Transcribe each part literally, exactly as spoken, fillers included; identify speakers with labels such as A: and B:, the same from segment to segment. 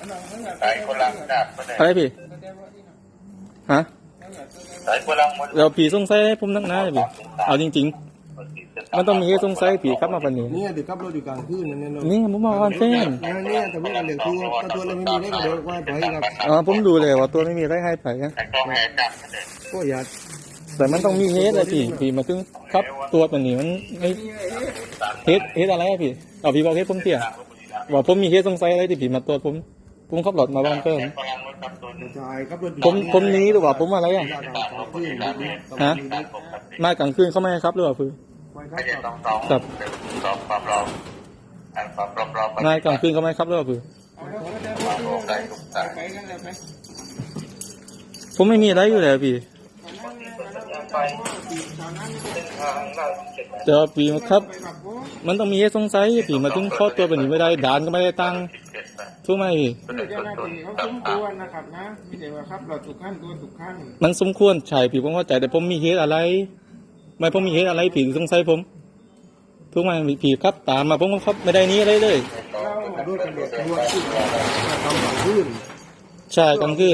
A: อะไรพี่ฮะเราผีสงสัยผมนักหนาพี่เอาจริงๆมันต้องมีเหตุสงสัยผีครับมาปันนี้
B: เนี่ยติดกับรถอยู่กลางคืนนั่นเนี่ย
A: นี่ผมมาวันเส้น
B: เนี่ยแต่เมื่อกันเดี๋ยวคือว่าตัวเราไม่มีได้ก็เดี๋ยวว่าไปครับ
A: อ๋อผมดูเลยว่าตัวไม่มีอะไรให้ไปนะ
B: ก็อย่า
A: แต่มันต้องมีเหตุอะไรพี่พี่มาถึงครับตัวปันนี้มันไม่เหตุเหตุอะไรอะพี่เอาพี่บอกเหตุผมเสียว่าผมมีเหตุสงสัยอะไรที่ผีมาตัวผมผมขับรถมาบ้านเพิ่มผมผมนี้หรือว่าผมอะไรอ่ะฮะมากลางคืนเขาไม่ให้ครับหรือเปล่าคือครับมากลางคืนเขาไม่ให้ครับหรือเปล่าคือผมไม่มีอะไรอยู่แล้วพี่เดี๋ยวปีครับมันต้องมีเหตุสงสัยผีมาถึงข้อตัวแบบนี้ไม่ได้ด่านก็ไม่ได้ตั้งถูกไหมพี่มันสมควรใช่ผีผมเข้าใจแต่ผมมีเหตุอะไรไม่ผมมีเหตุอะไรผีสงสัยผมถูกไหมผีครับตามมาผมก็ครับไม่ได้นี้อะไรเลยใช่กลางคืน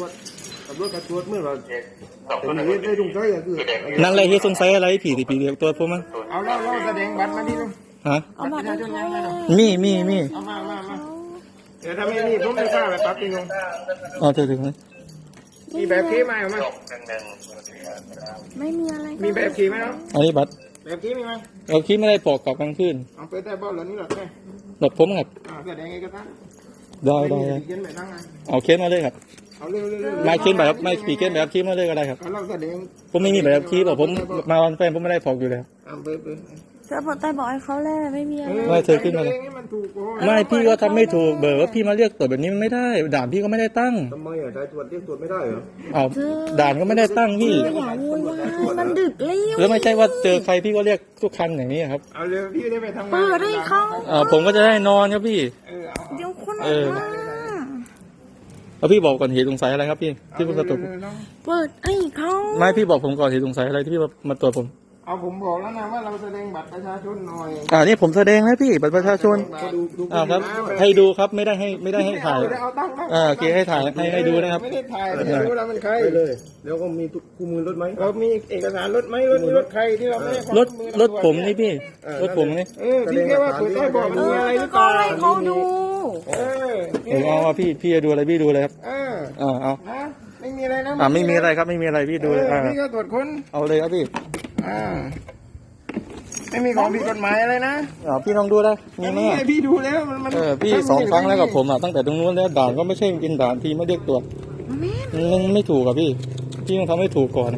A: นั่นแหละเหตุสงสัยอะไรผีที่ผีเรียกตัวผมมั้ง
B: เอาเล่าเล่าแสดงบัตรมาดิลุง
A: ฮะ
C: เอาบัตรมาด้วย
A: มีมีมี
B: เอามามามาเดี๋ยวถ้าไม่มีผมไม่ทราบแบบปั๊บจริงลุง
A: อ๋อเจอถึงไหม
B: มีแบบขี่ไหมเอามา
C: ไม่มีอะไร
B: มีแบบขี่ไหมเนาะ
A: อันนี้บัตร
B: แบบขี่มีไหม
A: แบบขี่ไม่ได้ปอกกับกลางคืน
B: เอาไปแต่บ้านหลังนี้หรอแค่
A: หลบผมครับ
B: อ่าแสดงเอกสาร
A: ได้ได้เอาเค้นมาเลยครับไม่เค้นแบบไม่ปีเค้นแบบขี่มาเลยก็ได้ครับผมไม่มีแบบขี่บอกผมมาวันแฟนผมไม่ได้ปอกอยู่แล้ว
C: เธอบอกแต่บอกให้เขาแล้วไม่มีอะไร
A: ไม่เธอขึ้นมาเลยไม่พี่ก็ทำไม่ถูกเบอร์ว่าพี่มาเรียกตรวจแบบนี้มันไม่ได้ด่านพี่ก็ไม่ได้ตั้ง
B: ทำไมอ่ะได้ตรวจเรียกตรวจไม่ได้เหรอ
A: เอาด่านก็ไม่ได้ตั้งพี่
C: อย่าวุ่นวายมันดึกแล้ว
A: แล้วไม่ใช่ว่าเจอใครพี่ก็เรียกทุกคันอย่างนี้ครับ
B: เอาเร็วพี่ได้ไปทำงาน
C: เปิดให้เขา
A: อ่าผมก็จะได้นอนครับพี่
C: เดี๋ยวคนมา
A: แล้วพี่บอกก่อนเหตุสงสัยอะไรครับพี่ที่มาตรวจ
C: เปิดให้เขา
A: ไม่พี่บอกผมก่อนเหตุสงสัยอะไรที่พี่มาตรวจผม
B: เอาผมบอกแล้วนะว่าเราแสดงบัตรประชาชนหน่อย
A: อ่านี่ผมแสดงแล้วพี่บัตรประชาชนอ่าครับให้ดูครับไม่ได้ให้ไม่ได้ให้ถ่ายอ่าโอเคให้ถ่ายให้ให้ดูนะครับ
B: ไม่ได้ถ่ายไม่รู้เราเป็นใครเลยแล้วก็มีคู่มือรถไหมเรามีเอกสารรถไหมรถรถใครที่เราไม่ได้
A: รถรถผมนี่พี่รถผมนี่
B: เออพี่แค่ว่าถูกได้บอกดูอะไรหรือเปล่า
C: ให้เขาดู
A: เออผมเอาว่าพี่พี่จะดูอะไรพี่ดูเลยครับ
B: เออ
A: อ่าเอา
B: ไม่มีอะไรนะ
A: อ่าไม่มีอะไรครับไม่มีอะไรพี่ดูเลยอ่า
B: พี่ก็ตรวจค้น
A: เอาเลยครับพี่
B: อ่าไม่มีของผิดกฎหมายอะไรนะ
A: อ๋อพี่ลองดูได้มีไหม
B: พี่ดูแล้วมัน
A: เออพี่สองครั้งแล้วกับผมอ่ะตั้งแต่ตรงนู้นแล้วด่านก็ไม่ใช่กินด่านพี่ไม่เรียกตรวจมันไม่ถูกกับพี่พี่ต้องทำให้ถูกก่อน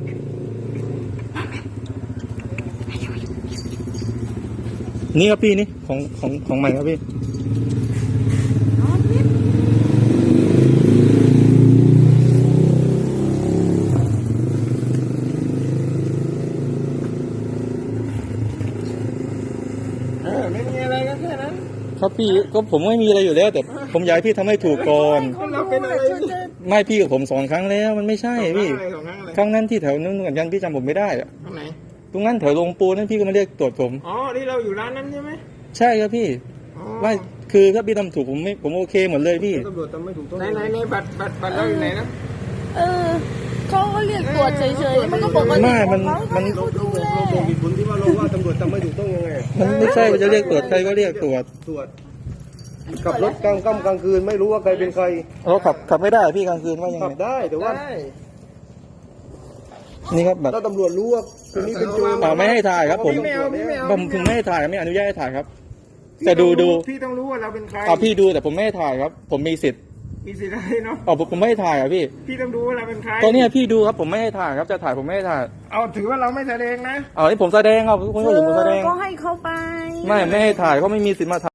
A: นี่ครับพี่นี่ของของของใหม่ครับพี่
B: ไม่มีอะไรก็แค่นั้น
A: ครับพี่ก็ผมไม่มีอะไรอยู่แล้วแต่ผมอยากให้พี่ทำให้ถูกก่อนไม่พี่กับผมสองครั้งแล้วมันไม่ใช่พี่ครั้งนั้นที่แถวนู้นกับยันพี่จำผมไม่ได้อะ
B: ตรงไหน
A: ตรงนั้นแถวลงปูนั่นพี่ก็มาเรียกตรวจผม
B: อ๋อที่เราอยู่ร้านนั้นใช่ไหม
A: ใช่ครับพี่ว่าคือถ้าพี่ทำถูกผมไม่ผมโอเคหมดเลยพี่
B: ตำรวจทำไม่ถูกต้องไหนไหนในบัตรบัตรบัตรเราอยู่ไหนนะ
C: เออเขาก็เรียกตรวจเฉยๆมันก็บอกว่า
A: ไม่มันมัน
B: เราดูเราบอกเหตุผลที่ว่าเราว่าตำรวจทำไม่ถูกต้องยังไง
A: มันไม่ใช่ว่าจะเรียกตรวจใครก็เรียกตรวจ
B: ตรวจขับรถกลางค่ำกลางคืนไม่รู้ว่าใครเป็นใคร
A: เราขับขับไม่ได้พี่กลางคืนว่ายังไง
B: ขับได้แต่ว่า
A: นี่ครับแบบ
B: ถ้าตำรวจรู้ว่าคนนี้เป็นโจร
A: อ่าไม่ให้ถ่ายครับผมผมถึงไม่ให้ถ่ายไม่อนุญาตให้ถ่ายครับแต่ดูดู
B: พี่ต้องรู้ว่าเราเป็นใคร
A: อ่าพี่ดูแต่ผมไม่ให้ถ่ายครับผมมีสิทธิ์
B: มีสิทธิ์อะไรเนาะ
A: อ๋อผมไม่ให้ถ่ายอ่ะพี่
B: พี่ต้องดูว่าเราเป็นใคร
A: ตอนนี้พี่ดูครับผมไม่ให้ถ่ายครับจะถ่ายผมไม่ให้ถ่าย
B: เอาถือว่าเราไม่แสดงนะ
A: อ๋อนี่ผมแสดงครับคุณก็เห็นผมแสดง
C: ก็ให้เขาไป
A: ไม่ไม่ให้ถ่ายเขาไม่มีสิทธิ์มาถ่าย